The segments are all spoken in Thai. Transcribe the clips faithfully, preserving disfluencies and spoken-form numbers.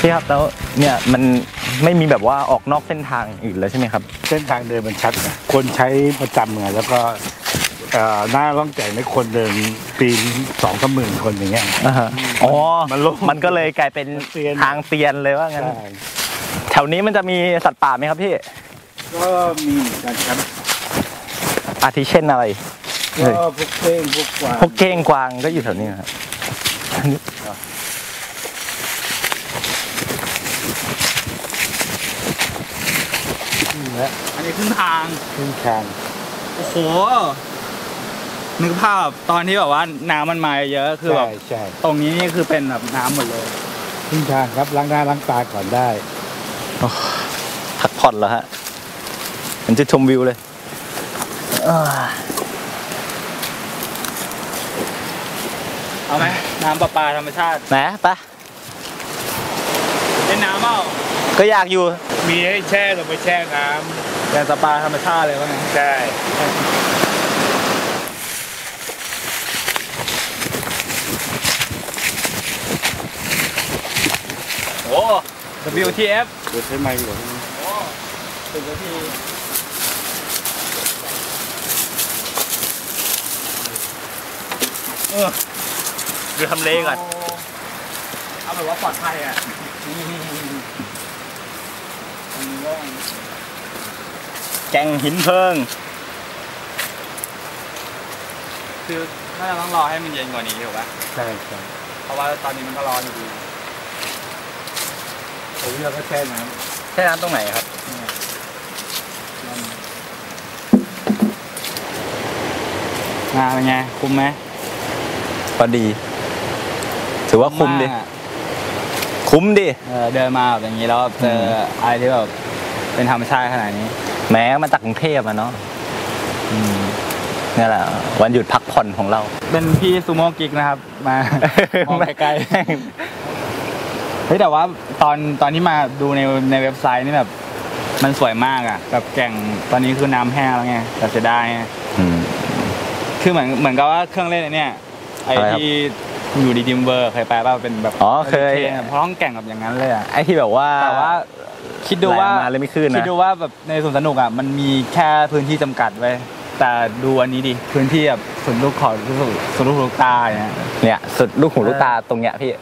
พี่ครับแล้วเนี่ยมันไม่มีแบบว่าออกนอกเส้นทางอื่นแล้วใช่ไหมครับเส้นทางเดินมันชัดนะคนใช้ประจำไงแล้วก็หน้าล่องแก่งในคนเดินปีนสองสามหมื่นคนอย่างเงี้ยอ๋อมันมันก็เลยกลายเป็นทางเตียนเลยว่างั้นแถวนี้มันจะมีสัตว์ป่าไหมครับพี่ก็มีเหมือนกันครับอาทิเช่นอะไรก็พวกเก้งพวกกวางพวกเก้งกวางก็อยู่แถวนี้ครับอันนี้ขึ้นทางขึ้นทางโอ้โหนึกภาพตอนที่แบบว่าน้ำมันมาเยอะคือแบบตรงนี้นี่คือเป็นแบบน้ำหมดเลยขึ้นทางครับล้างหน้าล้างตาก่อนได้พักผ่อนแล้วฮะมันจะชมวิวเลยเอาไหมน้ำประปาธรรมชาติไหนปะเล่นน้ำเปล่าก็อยากอยู่มีให้แช่ลงไปแช่น้ำอย่างสปาธรรมชาติเลยวะเนี่ยใช่โอ้ ดับเบิลยู ที เอฟเดี๋ยวใช้ไมค์ก่อนโอ้ถึงนาทีเออดูทำเลก่อนเอาแบบว่าปลอดภัยอ่ะแกงหินเพิงคือน่าจะต้องรอให้มันเย็นกว่านี้ถูกปะใช่ใช่เพราะว่าตอนนี้มันก็ร้อนอยู่ดีตรงนี้เราก็แช่น้ำแช่น้ำตรงไหนครับงานเป็นไงคุ้มไหมพอดีถือว่าคุ้มดิคุ้มดิเดินมาแบบอย่างนี้แล้วเจออะไรที่แบบเป็นธรรมชาติขนาดนี้แม้มาจากกรุงเทพอะเนาะนี่แหละวันหยุดพักผ่อนของเราเป็นพี่ซูโม่กิ๊กนะครับมามองไกลๆเฮ้ยแต่ว่าตอนตอนที่มาดูในในเว็บไซต์นี่แบบมันสวยมากอ่ะแบบแก่งตอนนี้คือน้ำแห้งแล้วไงแต่เสียดายไงคือเหมือนเหมือนกับว่าเครื่องเล่นเนี่ยไอ้ที่อยู่ดีดิมเวอร์เคยไปป่ะเป็นแบบอ๋อเคยเพราะต้องแก่งแบบอย่างนั้นเลยอ่ะไอ้ที่แบบว่าแต่ว่าคิดดูว่าเลยไม่ขึ้นนะคิดดูว่าแบบในสวนสนุกอ่ะมันมีแค่พื้นที่จำกัดไว้แต่ดูอันนี้ดิพื้นที่แบบสุดลูกขอสุดลูกหูลูกตาเนี่ยเนี่ยสุดลูกหูลูกตาตรงเนี้ยพี่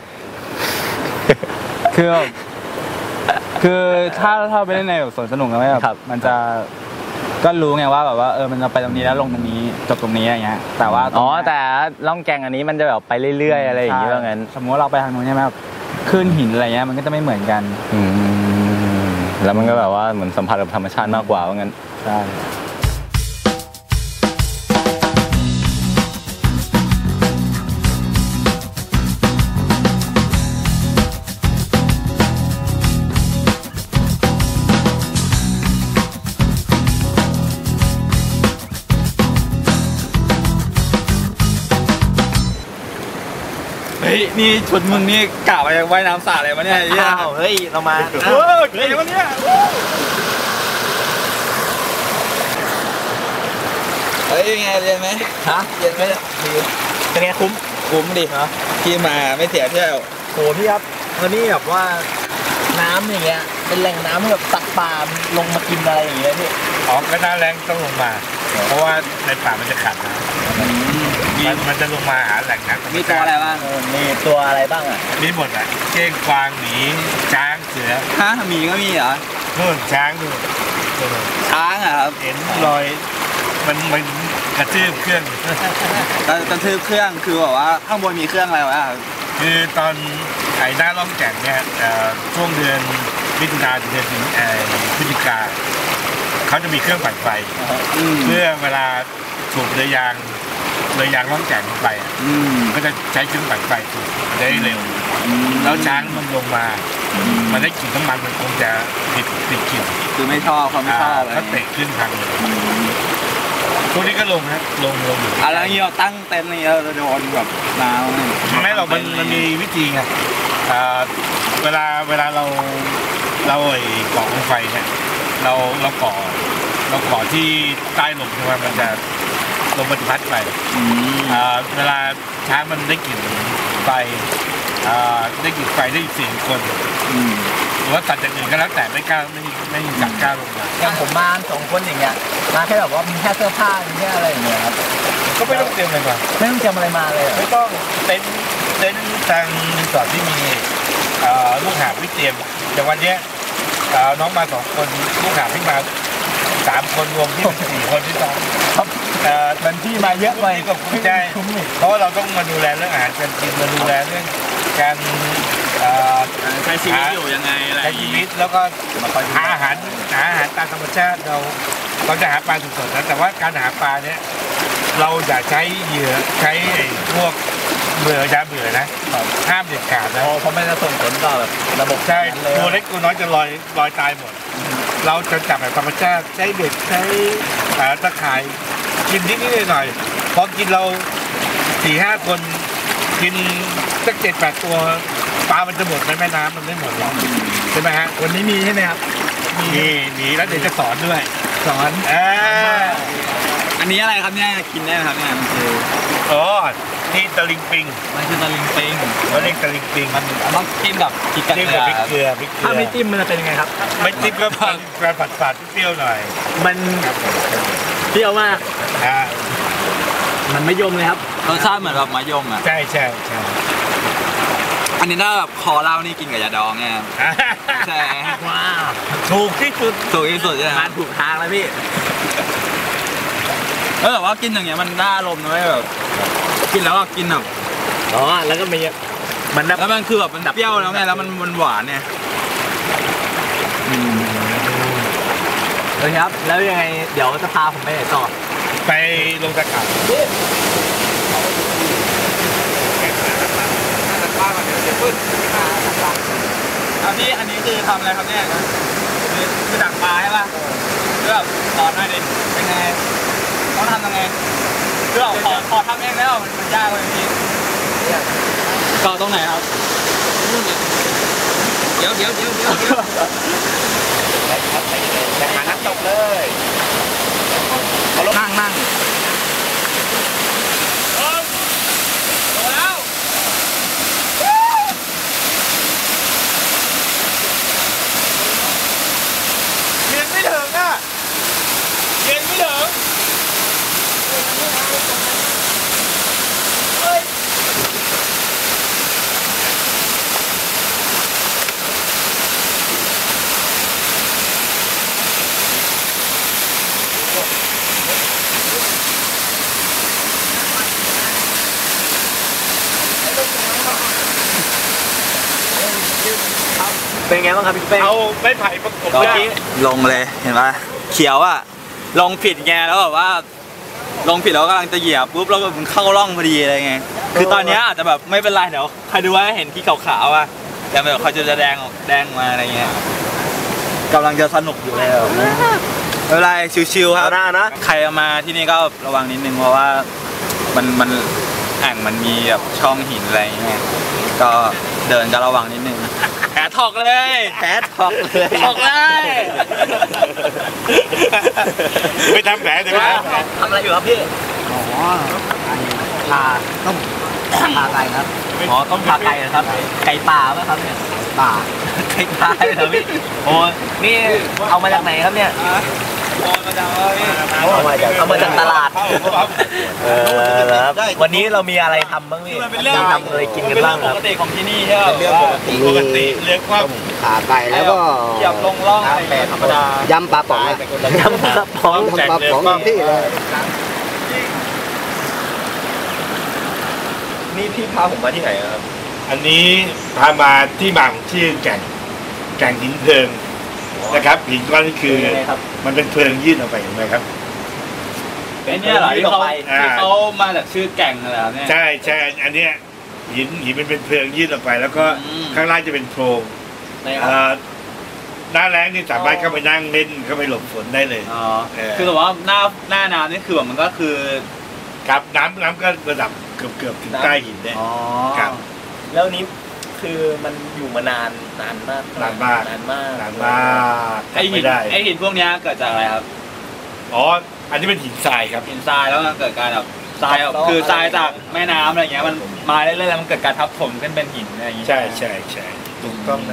คือคือถ้าถ้าไปเล่นในแบบสวนสนุกนะไม่แบบมันจะก็รู้ไงว่าแบบว่าเออมันจะไปตรงนี้แล้วลงตรงนี้จบตรงนี้อะไรเงี้ยแต่ว่าอ๋อแต่ล่องแกงอันนี้มันจะแบบไปเรื่อยๆอะไรอย่างเงี้ยว่างั้นสมมติว่าเราไปทางนู้นใช่ไหมแบบขึ้นหินอะไรเงี้ยมันก็จะไม่เหมือนกันอืมแล้วมันก็แบบว่าเหมือนสัมผัสกับธรรมชาติมากกว่าว่างั้นใช่เฮ้ยนี่ชุดมึงนี่กะไปว่ายน้ำสาอะไรวะเนี่ยเฮ้ยเรามาเออเฮ้ยวะเนี่ยเฮ้ยยังไงเรียนไหมฮะเรียนไหมเป็นไงคุ้มคุ้มดิเนาะที่มาไม่เสียเที่ยวโหพี่ครับวันนี้แบบว่าน้ำอย่างเงี้ยเป็นแหล่งน้ำให้แบบตักปลาลงมากินอะไรอย่างเงี้ยพี่อ๋อก็น้าแรงต้องลงมาเพราะว่าในป่ามันจะขาดน้ำมันจะลงมาหาแหล่งน้ำมีตัวอะไรบ้างมีตัวอะไรบ้างอ่ะมีหมดอ่ะเก้งกวางหมีช้างเสือฮะหมีก็มีเหรอนู่นช้างนู่นช้างอ่ะครับเห็นรอยมันมันกระทืบเครื่องกระทืบเครื่องคือแบบว่าข้างบนมีเครื่องอะไรวะคือตอนไอ้หน้าล่องแก่งเนี่ยช่วงเดือนมิถุนาถึงเดือนพฤศจิกาเขาจะมีเครื่องปั่นไฟเพื่อเวลาถูกเรือยางเรือยางล่องแก่งไปก็จะใช้เครื่องปั่นไฟถูกได้เร็วแล้วช้างมันลงมามันได้กลิ่นน้ำมันมันคงจะติดติดกลิ่นคือไม่ชอบเขาไม่ชอบเขาเตะขึ้นทางเลยพวกนี้ก็ลงนะลงลงอยู่อะไรเงี้ยเราตั้งเต็นท์นี่เราโดนแบบน้ำไม่หรอกมันมันมีวิธีไงเวลาเวลาเราเราไอ้ก่อกองไฟเนี่ยเราเราก่อเราก่อที่ใต้ลมใช่ไหมมันจะลมมันพัดไปเวลาช้างมันได้กลิ่นไฟได้กลิ่นไฟได้เสียงคนหรือว่าตัดอย่างอื่นก็แล้วแต่ไม่กล้าไม่ไม่จับกล้าลงมาอย่างผมมาสองคนอย่างเงี้ยมาแค่แบบว่ามีแค่เสื้อผ้ามีแค่อะไรอย่างเงี้ยครับก็ไม่ต้องเตรียมอะไรมาไม่ต้องเตรียมอะไรมาเลยไม่ต้องเต็นท์เต็นท์ทางรีสอร์ทที่มีเอ่อลูกหาบที่เตรียมอย่างวันเนี้ยเอ่อน้องมาสองคนลูกหาบที่มาสามคนรวมที่เป็นสี่คนที่สองครับเอ่อมันที่มาเยอะไปนี่ก็คุ้มใจเพราะว่าเราต้องมาดูแลเรื่องอาหารการกินมาดูแลเรื่องการเอ่อใช้ชีวิตอยู่ยังไงอะไรใช้ชีวิตแล้วก็หาอาหารหาอาหารตามธรรมชาติเราเราจะหาปลาสดๆนะแต่ว่าการหาปลาเนี้ยเราอย่าใช้เหยื่อใช้ไอ้พวกเบื่อยาเบื่อนะห้ามเด็ดขาดนะเพราะมันจะส่งผลต่อแบบระบบใช่เลยตัวเล็กตัวน้อยจะลอยลอยตายหมด เราจะจับแบบธรรมชาติใช้เบ็ดใช้อ่าตะข่ายกินนิดนิดหน่อยๆพอกินเราสี่ห้าคนกินสักเจ็ดแปดตัวปลามันจะหมดในแม่น้ำมันไม่หมดหรอกใช่ไหมฮะวันนี้มีใช่ไหมครับมีมีแล้วเดี๋ยวจะสอนด้วยสอนอ่าอันนี้อะไรครับเนี่ยกินได้ไหมครับเนี่ยมันคืออ๋อที่ตะลิงปิงมันคือตะลิงปิงเขาเรียกตะลิงปิงมันต้องจิ้มกับพริกกระจิ้มเทีกับยพริกมเกลือพริกเกลืถ้าอไม่จิ้มมันจะเป็นยังไงครับไม่จิ้มก็เป็นผัดผัดๆเปรี้ยวหน่อยมันครับผมเปรี้ยวมากอ่ามันไม่ยมเลยครับรสชาติเหมือนแบบมะยมอ่ะใช่ใช่ใช่อันนี้ถ้าแบบคอเหล้านี่กินกับยาดองเนี่ยใช่ว้าวถูกที่สุดถูกที่สุดใช่ไหมมาถูกทางแล้วพี่เออแต่ว่ากินอย่างเงี้ยมันน่าอารมณ์นะเว้ยแบบกินแล้วก็กินแบบอ๋อ แล้วก็มีมันนับแล้วมันคือแบบมันเปรี้ยวแล้วไงแล้วมันมันหวานเนี่ยเลยครับ แล้วยังไง เดี๋ยวจะพาผมไปไหนต่อไปลงตะข่ายครับพี่อันนี้คือทำอะไรครับเนี่ยคือคือดักปลาใช่ป่ะคือแบบสอนหน่อยดิเป็นไงต้องทำยังไงคือแบบขอขอทำเองแล้วมันมันยากเลยพี่ก็ตรงไหนครับเดี๋ยวเดี๋ยวเดี๋ยวเดี๋ยวเดี๋ยวไปหานักตกเลยนั่งนั่งโตแล้วเรียนไม่ถึงอ่ะเรียนไม่ถึงเฮ้ยเป็นไงบ้างครับพี่เป้เอาไม้ไผ่ประกบเมื่อได้กี้ลงเลยเห็นปะเขียวอ่ะลงผิดไงแล้วแบบว่าลงผิดแล้วกำลังจะเหยียบปุ๊บแล้วมันเข้าร่องพอดีอะไรเงี้ยคือตอนเนี้ยอาจจะแบบไม่เป็นไรเดี๋ยวใครดูว่าเห็นที่ขาวๆอ่ะแต่แบบเขาจะแดงออกแดงมาอะไรเงี้ยกำลังจะสนุกอยู่แล้วไม่เป็นไรชิวๆครับหน้านะใครเอามาที่นี่ก็ระวังนิดนึงเพราะว่ามันมันแอ่งมันมีแบบช่องหินอะไรเงี้ยก็เดินก็ระวังนิดนึงแผลถอกเลยแผลถอกเลยถอกเลยไม่ทำแผลแต่ไม่ทำแผลทำอะไรอยู่ครับพี่ อ๋อพาต้มพาไก่ครับ อ๋อ ต้มพาไก่เหรอครับ ไก่ป่าไหมครับเนี่ย ป่า ไก่ป่าเหรอพี่ โอ้นี่เอามาจากไหนครับเนี่ย เอามาจากเอามาจากตลาด เออครับ วันนี้เรามีอะไรทำบ้างพี่มีทำอะไรกินกันบ้างครับปกติของที่นี่ใช่ไหมเรื่องปกติปกติเรื่องความขาไก่แล้วก็เหยียบลงร่องอะไรอย่างเงี้ยธรรมดายำปลาป๋องอะยำปลาป๋องยำปลาป๋องที่เลยนี่พี่พาผมมาที่ไหนครับอันนี้พามาที่มาของชื่อแก่งแก่งหินเพลิงนะครับหินก้อนนี้คือเป็นยังไงครับมันเป็นเพลิงยื่นออกไปเห็นไหมครับเป็นเนี่ยเหรอที่เขาอ่าที่เขามาจากชื่อแก่งอะไรเนี่ยใช่ใช่อันเนี้ยหินหินมันเป็นเพลิงยื่นออกไป แล้วก็อืมข้างล่างจะเป็นโพรงไหนคเอ่รับอหน้าแรงนี่สามารถเข้าไปนั่งเล่นเข้าไปหลบฝนได้เลยอ๋อเออคือแต่ว่าหน้าหน้าน้ำนี่คือแบบมันก็คือครับน้ำน้ำก็ระดับเกือบเกือบถึงใต้หินเนี่ยอ๋อครับแล้วนี้คือมันอยู่มานานนานมากนานมากนานมากนานมากไอหิไม่นได้ไอหินพวกเนี้ยเกิดจากอะไรครับอ๋ออันนี้เป็นหินทรายครับหินทรายแล้วมันเกิดการแบบทรายแบบคือทรายจากแม่น้ำอะไรเงี้ยมันมาเรื่อยๆแล้วมันเกิดการทับถมขึ้นเป็นหินอะไรอย่างงี้ใช่ใช่ใช่ถูกต้องนะครับ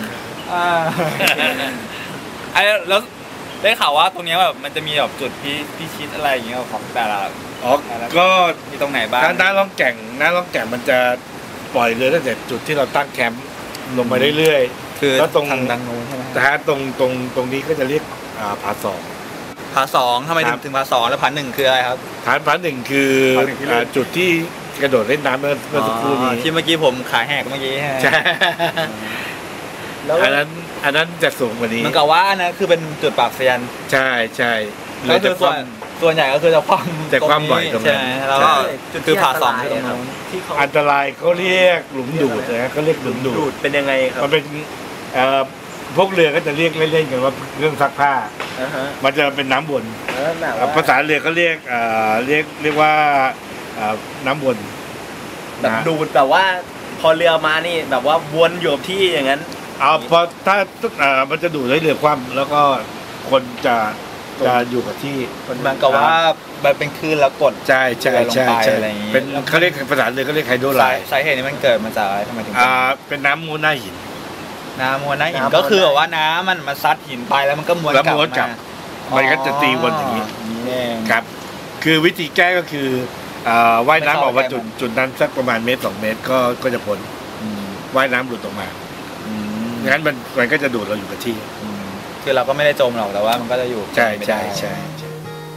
ไอ้แล้วได้ข่าวว่าตรงนี้แบบมันจะมีแบบจุดพี่พี่ชิดอะไรอย่างเงี้ยของแต่ละอ๋อก็มีตรงไหนบ้างน้าน้าล่องแก่งน้าล่องแก่งมันจะปล่อยเรือตั้งแต่จุดที่เราตั้งแคมป์ลงไปเรื่อยๆคือแล้วตรงทางดังนู้นใช่ไหมแต่ฮะตรงตรงตรงนี้ก็จะเรียกอ่าผาสองผาสองทำไมถึครังบถึงผาสองแล้วผาหนึ่งคืออะไรครับฐานผาหนึ่งคือผาหนึ่งที่เล่นอ่าจุดที่กระโดดเล่นน้ำเมื่อเมื่อสักครู่นี้ที่เมื่อกี้ผมขาแหกเมื่อกี้ใช่ อันนั้นอันนั้นจะสูงกว่านี้มันกับว่านะคือเป็นจุดปากเซียนใช่ใช่ก็คือส่วนส่วนใหญ่ก็คือจะคว่ำจะคว่ำบ่อยตรงนั้นใช่แล้วก็คือผาสองที่ตรงนู้นที่เขาอันตรายเขาเรียกหลุมดูดนะเขาเรียกหลุมดูดูดดเป็นยังไงครับมันเป็นเอ่อพวกเรือก็จะเรียกเล่นๆกันว่าเครื่องซักผ้าอ่าฮะมันจะเป็นน้ำวนเออแบบอ่าว่าภาษาเรือเขาเรียกเอ่อเรียกเรียกว่าเอ่อน้ำวนแบบนะดูดแบบว่าพอเรือมานี่แบบว่าวนอยู่กับที่อย่างนั้นเอาพอถ้าเอ่อมันจะดูดให้เรือคว่ำแล้วก็คนจะจะอยู่กับที่มันกับว่ามันเป็นคลื่นแล้วกดใช่ใช่ใช่ลงไปใช่อะไรอย่างงี้เป็นเขาเรียกภาษาเรือเขาเรียกไฮโดรไลสาน์สาเหตุนี้มันเกิดมาจากอะไรทำไมถึงอ่าเป็นน้ำมูลหน้าหินน้ำมวลน้ำหินน้ำก็คือแบบว่าน้ำมันมาซัดหินไปแล้วมันก็ม้วนแล้วกลับม้วนกลับมามันก็จะตีวนอย่างนี้นี้เองครับ คือวิธีแก้ก็คืออ่าว่ายน้ำออกมาไม่เข้าจุดใกล้มันจุดนั้นสักประมาณเมตรสองเมตรก็ก็จะพ้นอืมว่ายน้ำหลุดออกมาอืมงั้นมันมันก็จะดูดเราอยู่กับที่อืมคือเราก็ไม่ได้จมหรอกแต่ว่ามันก็จะอยู่ใช่ไม่ใช่ได้ใช่ใช่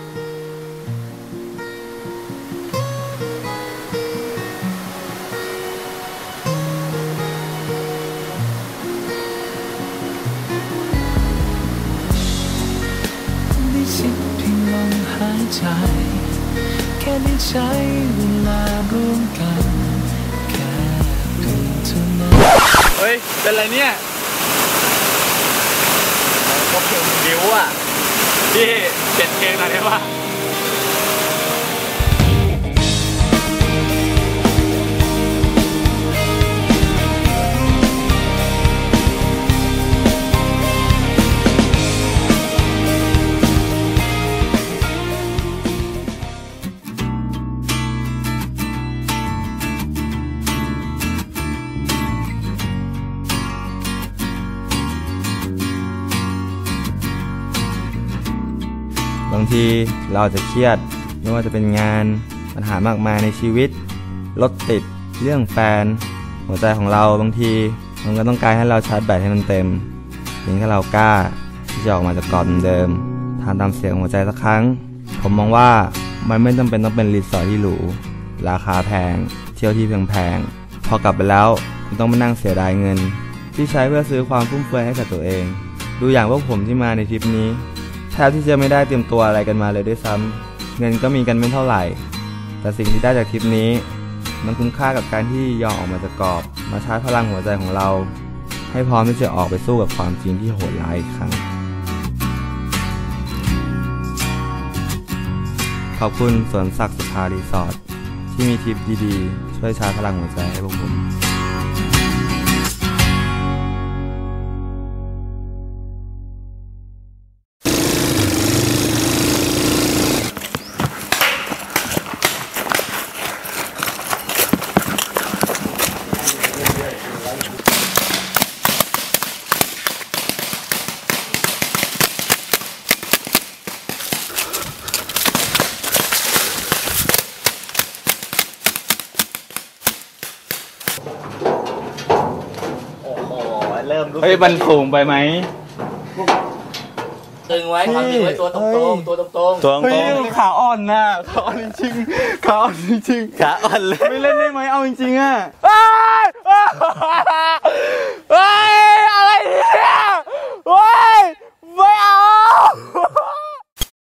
ได้สิ้นเพียงลมหายใจ แค่ได้ใช้เวลาร่วมกันแค่เพียงเท่านั้นเฮ้ยเป็นไรเนี่ยก็เพลงบิวอ่ะพี่เปลี่ยนเพลงหน่อยได้ปะบางทีเราอาจจะเครียดไม่ว่าจะเป็นงานปัญหามากมายในชีวิตรถติดเรื่องแฟน หัวใจของเราบางทีมันก็ต้องการให้เราชาร์จแบตให้มันเต็มเพียงแค่เรากล้าที่จะออกมาจากกรอบเดิมทานตามเสียงหัวใจสักครั้งผมมองว่ามันไม่จำเป็นต้องเป็นรีสอร์ทที่หรูราคาแพงเที่ยวที่แพงๆพอกลับไปแล้วคุณต้องมานั่งเสียดายเงิน ที่ใช้เพื่อซื้อความฟุ่มเฟือยให้กับตัวเองดูอย่างพวกผมที่มาในทริปนี้แทบที่จะไม่ได้เตรียมตัวอะไรกันมาเลยด้วยซ้ำเงินก็มีกันไม่เท่าไหร่แต่สิ่งที่ได้จากทริปนี้มันคุ้มค่ากับการที่ยอมออกมาจากกรอบมาชาร์จพลังหัวใจของเราให้พร้อมที่จะออกไปสู้กับความจริงที่โหดร้ายอีกครั้งขอบคุณสวนศักดิ์สุภารีสอร์ทที่มีทริปดีๆช่วยชาร์จพลังหัวใจให้พวกผมโอ้โหเริ่มรู้สึกเฮ้ยมันสูงไปไหมตึงไว้ความจริงไว้ตัวตรงๆตัวตรงตัวเฮ้ยขาอ่อนนะขาอ่อนจริงๆขาอ่อนจริงๆขาอ่อนเลยๆไม่เล่นได้ไหมเอาจริงๆอ่ะอ้ายอ้ายอ้าย